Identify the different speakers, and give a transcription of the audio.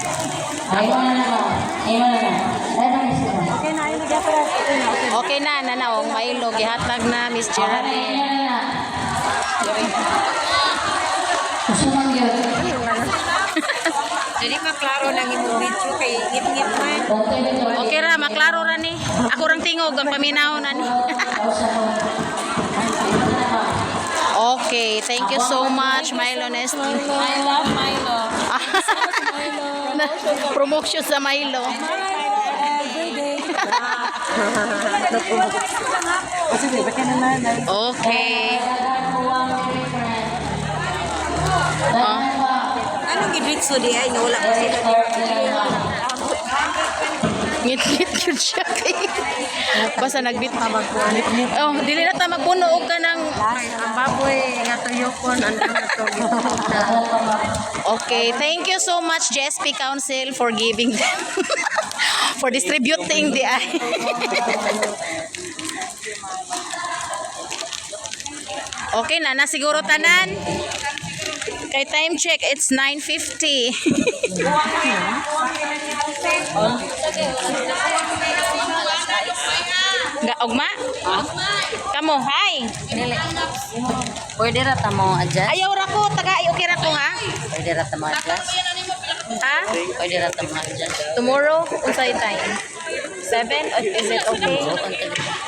Speaker 1: Okay na, nanaong Milo gihatag na Miss Geraldine.
Speaker 2: Jadi maklaro nang imong video kay ngit-ngit man.
Speaker 1: Okay ra, maklaro ra ni. Ako rang tingog ang paminaw na ni. Okay, thank you so much, Milo Nestle.
Speaker 2: I love Milo.
Speaker 1: Promotion sa Milo. Okay.
Speaker 2: Anong gidritso di ay wala pa sila
Speaker 1: Ngit-ngit yun siya kay. Basta nagbit. Oh, dili na ta magpuno og ka ng
Speaker 2: ang baboy nga tuyokon ano na to.
Speaker 1: Okay, thank you so much GSP Council for giving them for distributing the Okay na siguro tanan. Kay time check, it's 9:50. Ugma? Kamo, hi.
Speaker 2: Pwede ra ta mo adjust.
Speaker 1: Ayaw ra ko, okay ra ko ha.
Speaker 2: Pwede ra ta mo adjust.
Speaker 1: Ha?
Speaker 2: Pwede ra ta mo adjust.
Speaker 1: Tomorrow, unsay time? 7? Is it okay?